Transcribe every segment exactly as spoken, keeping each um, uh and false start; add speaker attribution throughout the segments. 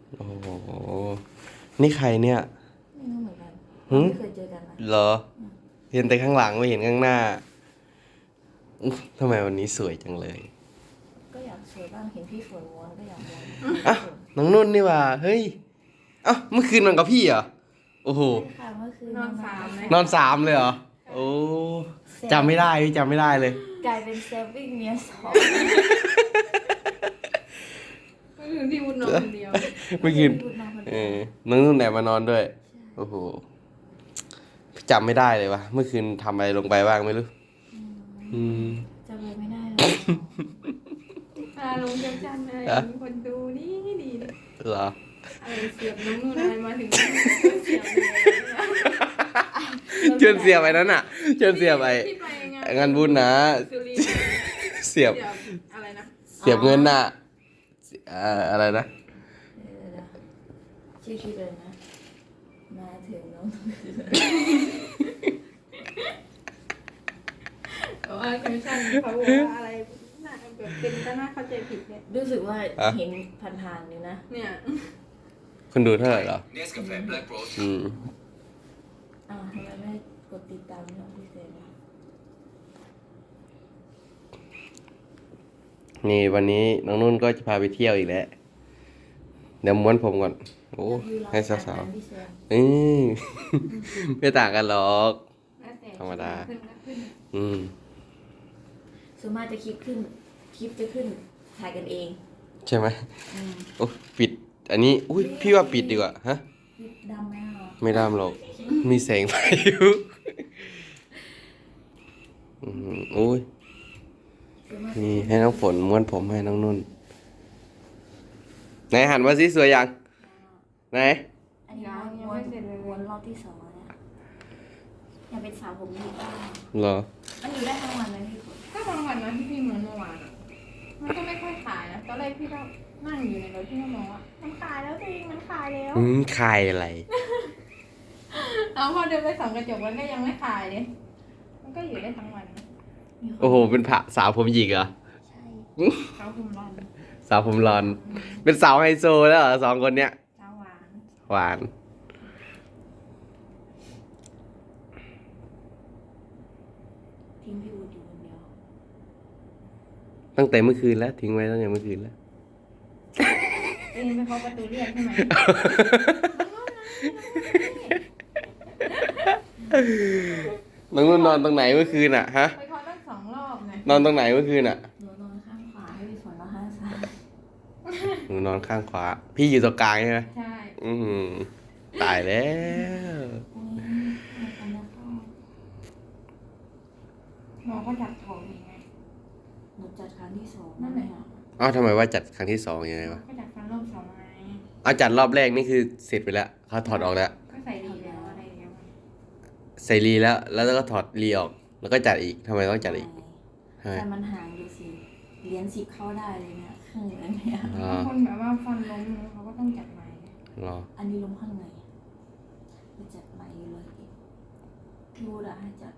Speaker 1: โอ้โหนี่ใครเนี่ย
Speaker 2: ไม่รู้เหมือนกัน
Speaker 1: หึ
Speaker 2: ไม่เคยเจอกันนะ
Speaker 1: เหรอเห็นแต่ข้างหลังไม่เห็นข้างหน้าอุ๊ยทำไมวันนี้สวยจังเลย
Speaker 2: ก็อยากสวยบ้างเห็นพี่ฝนม้วนก็อยากม้วน
Speaker 1: อ่ะน้องนุ่นนี่ว่าเฮ้ยเอ้าเมื่อคืนนอนกับพี่เหรอโอ้โห
Speaker 2: ใช่ค่ะเมื่อคืน
Speaker 3: นอนสามเลย
Speaker 1: นอนสามเลยเหรอโอ้จำไม่ได้พี่จำไม่ได้เลย
Speaker 2: กลายเป็นเซฟวิ่งเมียสอง
Speaker 3: ก็คือพี่วุฒินอนคนเดียว
Speaker 1: เมื่อคืน
Speaker 2: พูดมาคน
Speaker 1: เอ
Speaker 2: เดียว
Speaker 1: อน้องนุ่นแอบมานอนด้วยโอ้โหจำไม่ได้เลยวะเมื่อคืนทำอะไรลงไปบ้างไม่รู้อืม
Speaker 2: จำเลยไม่ได้หรอก
Speaker 3: พาลงเจ้าจันอะไร
Speaker 1: ฮะ
Speaker 3: มีคนดูนี่ดีเลย
Speaker 1: เหรอ
Speaker 3: อะไรเสียบน้องนู่นอะไรมาถึงเสียบเลย
Speaker 1: เชิญเสียบไปนั้นอ่ะเชิญเสียบไป
Speaker 3: ที่ไปงาน
Speaker 1: งานบุญนะ
Speaker 3: สุรินทร์
Speaker 1: เสียบ
Speaker 3: เสียบอะไรนะ
Speaker 1: เสียบเงินน่ะเอ่ออะไรนะ
Speaker 2: เออนะชื่อคลิปเลยนะ มาถึงน้อง
Speaker 3: แต่ว่าแคปชั่นเขาบอกว่าอะไรน่าแบบเป็นก็น่าเข้าใจผิดเนี่ย
Speaker 2: รู้สึกว่าเห็นผ่านๆอยู่นะ
Speaker 3: เนี่ย
Speaker 1: คนดูเท่าไหร่เหรอ
Speaker 4: Nescafe Black Roast
Speaker 1: อืม
Speaker 2: อ้าวทำไมไม่กดติดตามน้องพี่เซนล่ะ
Speaker 1: นี่วันนี้น้องนุ่นก็จะพาไปเที่ยวอีกแล้ว เดี๋ยวม้วนผมก่อน โอ้ให้สาวๆ
Speaker 2: พี่เซน
Speaker 1: อืม ไม่ต่างกันหรอก
Speaker 3: แล้วแต่
Speaker 1: ธรรมดา
Speaker 3: ขึ้นก็ขึ้น
Speaker 1: อืม
Speaker 2: ส่วนมากจะคลิปขึ้น คลิปจะขึ้นถ่ายกันเอง
Speaker 1: ใช่ไหม
Speaker 2: อืม
Speaker 1: โอ้ปิด อันนี้ อุ้ยพี่ว่าปิดดีกว่า ฮะ
Speaker 2: คลิปดำไหมอ่ะ
Speaker 1: ไม่ดำหรอก มีแสงไฟอยู่อืมโอ้ย
Speaker 2: ส่วนมาก
Speaker 1: นี่ให้น้องฝนม้วนผมให้น้องนุ่น ไหนหันมาสิสวยยัง ไหน
Speaker 2: อันนี้ม้วนม้วนรอบที่สองแล้วเนี่ยอยากเป็นสาวผมดีบ้าง
Speaker 1: เหรอ
Speaker 2: มันอยู่ได้ทั้งวันเลยพี่ฝน
Speaker 3: ก็บางวันนะที่พี่เหมือนเมื่อวานอะมันก็ไม่ค่อยขายนะตอนแรกพี่ก็นั่งอยู่ในรถพี่ก็มองว่ามันขายแล้วจริงมันขายแล้ว
Speaker 1: อืมคายอะไร
Speaker 3: เอาพอเดินไปส่องกระจกมันก็ยังไม่ขายเลยมันก็อยู่ได้ทั้งวันนะ
Speaker 2: มีคน
Speaker 1: โอ้โห เป็นผะสาวผมหยิกเหรอ
Speaker 2: ใช่
Speaker 3: เขาคุมร้อน
Speaker 1: สาวผมรอน เป็นสาวไฮโซแล้วเหรอสองคนเนี้ย
Speaker 3: เช้าหวาน
Speaker 1: หวาน
Speaker 2: ทิ้งพี่วูดอยู่คนเดียว
Speaker 1: ตั้งแต่เมื่อคืนแล้ว ทิ้งไว้ตั้งแต่เมื่อคืนแล้ว
Speaker 3: เองไปเคาะประตูเรียกใช่ไหม
Speaker 1: น้องนุ่นนอนตรงไหนเมื่อคืนอ่ะฮะ
Speaker 3: ไปเคาะตั้งสองรอบไง
Speaker 1: นอนตรงไหนเมื่อคืนอ่ะ
Speaker 2: หนูนอนข้างขวาให้พี่ฝนนอนข้างซ้าย
Speaker 1: หนูนอนข้างขวา พี่อยู่ตรงกลางใช่ไหม
Speaker 3: ใช่
Speaker 1: อืมตายแล้ว
Speaker 2: อุ้ยไม่ทันแล้วเข้า
Speaker 3: หมอก็จับท้องยังไง
Speaker 2: หนูจัดครั้งที่สอง
Speaker 3: นั่นแหละ
Speaker 1: อ้าวทำไมว่าจัดครั้งที่สองยังไงวะ
Speaker 3: ก็จับฟันรอบสองไง
Speaker 1: เอาจัดรอบแรกนี่คือเสร็จไปแล้วเขาถอดออกแล้ว
Speaker 3: ก็ใส่ดีแล้วอะไรแล้ว
Speaker 1: ใส่รีแล้ว แล้วก็ถอดรีออก แล้วก็จัดอีกทำไมต้องจัดอีกทำไม
Speaker 2: แต่มันห่างดูสิเหรียญสิบเข้าได้เลยเนี่ยครึ่งอันเนี่ย
Speaker 1: อ๋อบ
Speaker 3: างคนแบบว่าฟันล้มเขาก็ต้องจัดใหม่
Speaker 1: รอ
Speaker 2: อันนี้ลงข้างในไปจัดใหม่อยู่เลยพี่วูดอะให้จัด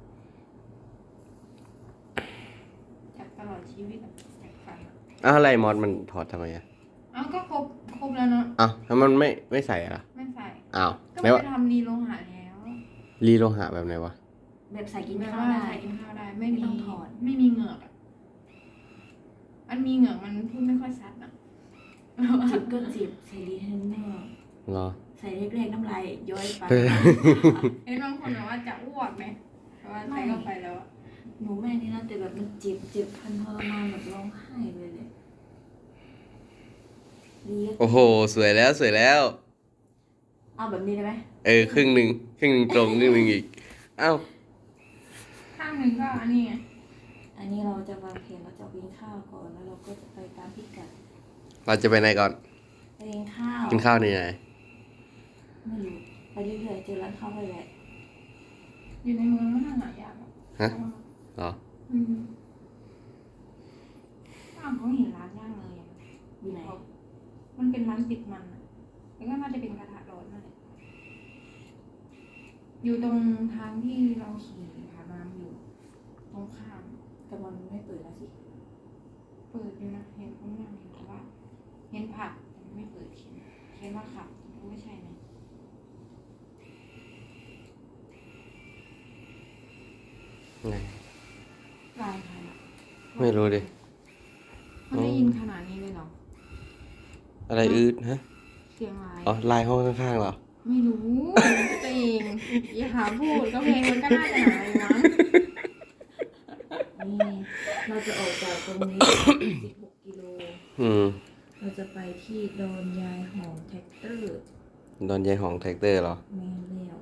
Speaker 3: จัดตลอดชีวิตอะจัดฟันอะ
Speaker 1: อ้าวอะไรมอสมันถอดทำไมอ่ะ
Speaker 3: เอ้าก็ครบครบแล้วเนาะ
Speaker 1: อ้าวแล้วมันไม่ไม่ใส่อะล่ะ
Speaker 3: ไม่ใส่
Speaker 1: อ้าว
Speaker 3: ก็
Speaker 1: ไม่
Speaker 3: ไม่
Speaker 1: ว่า
Speaker 3: ไปทำรีโลหะแล้ว
Speaker 1: รีโลหะแบบไหนวะ
Speaker 2: แบบใส่กิน
Speaker 3: แบบ
Speaker 2: ข้าว
Speaker 3: ว่า
Speaker 2: ได้
Speaker 3: ใส่กินข้าวได้ ไม่
Speaker 2: ไม่
Speaker 3: มี
Speaker 2: ต้องถอด
Speaker 3: ไม่มีเหงือกอะอันมีเหงือกมันพูดไม่ค่อยชัดอะ
Speaker 2: จิบก็จิบใส่ดีเทนเนอร์
Speaker 1: รอ
Speaker 2: ใส่เล็กๆน้ำลายย้อยไป
Speaker 3: เห็นบางคนแบบว่าจะอ้วกไหมแต่ว่าใส่เข้าไปแล้วอะ
Speaker 2: หนูแม่นี่นะแต่แบบมันเจ็บเจ็บพันทรมานแบบร้องไห้เลยเลยดี
Speaker 1: โอ้โห สวยแล้วสวยแล้ว
Speaker 2: เอาแบบนี้ได้ไหม
Speaker 1: เออครึ่งหนึ่งครึ่งหนึ่งตรงครึ่งหนึ่งอีกอ้าว
Speaker 3: ข้างหนึ่งก็อันนี้ไง
Speaker 2: อันนี้เราจะวางแผนเราจะกินข้าวก่อนแล้วเราก็จะไปตามพิกัด
Speaker 1: เราจะไปไหนก่อน
Speaker 2: ไปกินข้าว
Speaker 1: กินข้าวในไหน
Speaker 2: ไม่รู้ไปเรื่อยๆเจอร้านข้าวไปแหละ
Speaker 3: อยู่ในเมืองมันหายากอะ
Speaker 1: ฮะเหรอ
Speaker 3: อืมอ้าวเขาเห็นร้านย่างเลยอะ
Speaker 2: อยู่ไหน
Speaker 3: มันเป็นร้านติดมันอะแล้วก็น่าจะเป็นกระทะร้อนนั่นแหละอยู่ตรงทางที่เราขี่ผ่านมาอยู่ ตรงข้าม
Speaker 2: แต่มันไม่เปิดแล้วสิ
Speaker 3: เปิดอยู่นะเห็นคนงานอยู่แต่ว่า เห็นผักแต่ไม่เปิดเขียน
Speaker 2: เรียนว่าขับไม่ใช่ไหม
Speaker 1: ไง
Speaker 3: ลายใครอ่ะ
Speaker 1: ไม่รู้ดิ
Speaker 3: มันได้ยินขนาดนี้เลยเหรอ
Speaker 1: อะไรอืดฮะ
Speaker 3: เสียงลาย
Speaker 1: อ๋อลายห้องข้างๆเหรอ
Speaker 3: ไม่รู้ตัวเองอย่าหาพูดก็เพลงมันก็น่าจะหาอยู่มั้ง
Speaker 2: นี่เราจะออกจากตรงนี้ สิบหกกิโล
Speaker 1: อืม
Speaker 2: เราจะไปที่ดอนยายหอมแท็กเตอร์
Speaker 1: ดอนยายของแท็กเตอร์เหรอ
Speaker 2: แมนแล้ว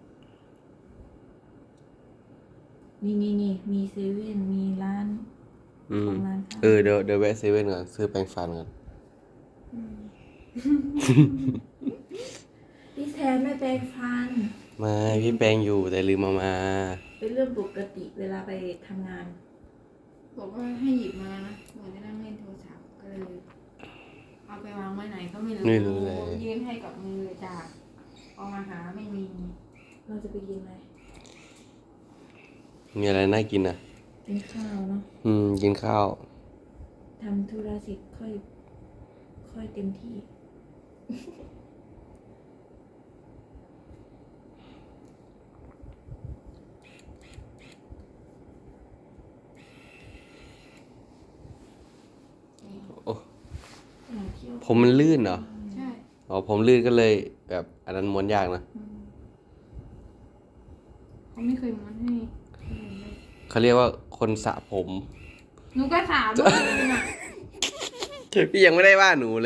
Speaker 2: นี่นี่นี่มีเซเว่นมีร้าน
Speaker 1: อืม
Speaker 2: ของร้านค้า
Speaker 1: เออเดี๋ยวเดี๋ยวแวะเซเว่นก่อนซื้อแปรงฟันก่อน
Speaker 2: พี่แทนไม่แปรงฟัน
Speaker 1: ไม่พี่แปรงอยู่แต่ลืมเอามา
Speaker 2: เป็นเรื่องปกติเวลาไปทำงาน
Speaker 3: บอกว่าให้หยิบมานะเหมือนจะนั่งเล่นโทรศัพท์ก็เลยเอาไปวางไว้ไหนก็ไม่รู้
Speaker 1: ไม่รู้เลย
Speaker 3: ยื่นให้กับมือจากเอามาหาไม่มี
Speaker 2: เราจะไปกินอะไร
Speaker 1: มีอะไรน่ากินอ่ะ
Speaker 2: กินข้าวเนาะ
Speaker 1: อืม กินข้าว
Speaker 2: ทำธุระเสร็จค่อย ค่อยเต็มที่
Speaker 1: โอ้
Speaker 2: อยากเที่ยว
Speaker 1: ผมมันลื่นเหรอ
Speaker 3: ใช่
Speaker 1: อ๋อผมลื่นก็เลยแบบอันนั้นม้วนยากนะ
Speaker 3: อืมเขาไม่เคยม้วนให้ให้เลย
Speaker 1: เขาเรียกว่าคนสระผม
Speaker 3: หนูก็ถามว่าเป็นอะ
Speaker 1: พี่ยังไม่ได้ว่าหนูเลย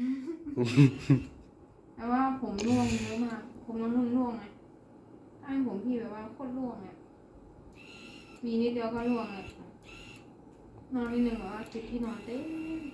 Speaker 3: แต่ว่าผมร่วงเยอะมากผมน้ำนุ่นร่วงไงถ้าเป็นผมพี่แบบว่าโคตรร่วงเนี่ยมีนิดเดียวก็ร่วงเลยนอนนิดนึงแบบว่าจุดที่นอนเต็ม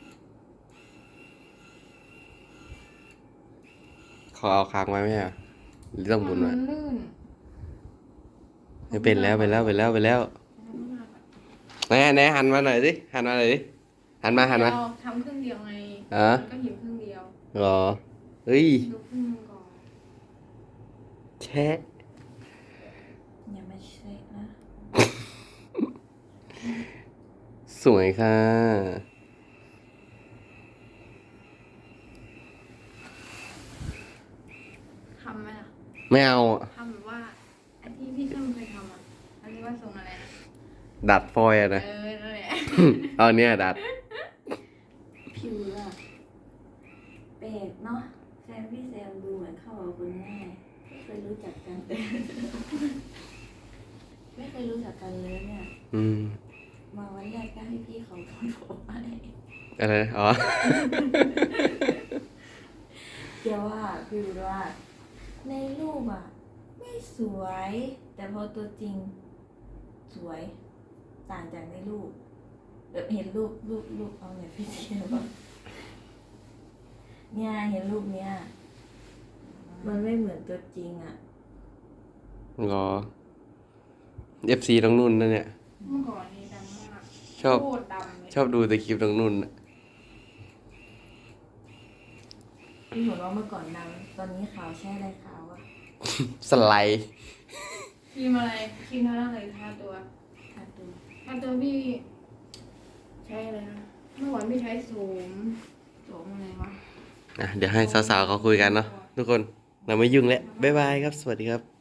Speaker 1: เขาเอาค้างไว้ไหมอ่ะหรือต้องบุญ
Speaker 3: มั
Speaker 1: ไว้
Speaker 3: นลื่น
Speaker 1: ไม่เป็นแล้วไปแล้วไปแล้วไปแล้วไหนไหนหันมาหน่อยสิหันมาหน่อยสิหันมาหันมา
Speaker 3: เราทำครึ่งเดียวไง
Speaker 1: อ่ะ
Speaker 3: มันก็หยิบครึ่งเดียว
Speaker 1: เหรอเฮ้ย
Speaker 3: ดูครึ่งหนึงก่อน
Speaker 1: แชะ
Speaker 2: อย่ามาเช็คนะ
Speaker 1: สวยค่ะ
Speaker 3: ทำไหมล่ะ
Speaker 1: ไม่เอาอะ
Speaker 3: ทำแบบว่าไอ้ที่พี่ช่างเคยทำอ่ะอันนี้ว่าทรงอะไรนะ
Speaker 1: ดัดฟอยล์อะ
Speaker 3: เอ
Speaker 1: นะ
Speaker 3: อนั่นแหละ
Speaker 1: เอาเนี่ยดัด
Speaker 2: ผิวอะแปลกเนาะแฟนพี่แซมดูเหมือนเข้ากับคนง่ายไม่เคยรู้จักกัน ไม่เคยรู้จักกันเลยเนี่ย
Speaker 1: อืม
Speaker 2: มาวันแรกก็ให้พี่เขาพูดผมไป
Speaker 1: อะไรนะอ๋อ
Speaker 2: เดี๋ยวว่าพี่รู้ว่า ในรูปอะไม่สวย แต่พอตัวจริง สวย ต่างจากในรูปแบบเห็นรูปรูปรูปเอาเนี่ยพี่เทียบอะเนี่ยเห็นรูปเนี้ยมันไม่เหมือนตัวจริงอะ
Speaker 1: รอ เอฟ ซี น้องนุ่นนั่นเนี่ย
Speaker 3: เมื่อก่อนนี่ดำมาก
Speaker 1: ชอบ
Speaker 3: โคตรดำเลย
Speaker 1: ชอบดูแต่คลิปน้องนุ่นน่ะ
Speaker 2: พี่หัวเราะเมื่อก่อนดังตอนนี้ขาวใช่อะไรขาวอะ
Speaker 1: สไลด์
Speaker 3: ครีมอะไรครีมทาหน้าเลยทาตัว
Speaker 2: ทาตัว
Speaker 3: ทาตัวพี่ใช้อะไรนะเมื่อวานพี่ใช้โสมโสมอะไรวะ
Speaker 1: อ่ะเดี๋ยวให้สาวๆเขาคุยกันเนาะทุกคน เราไม่ยุ่งแล้ว บ๊ายบายครับ สวัสดีครับ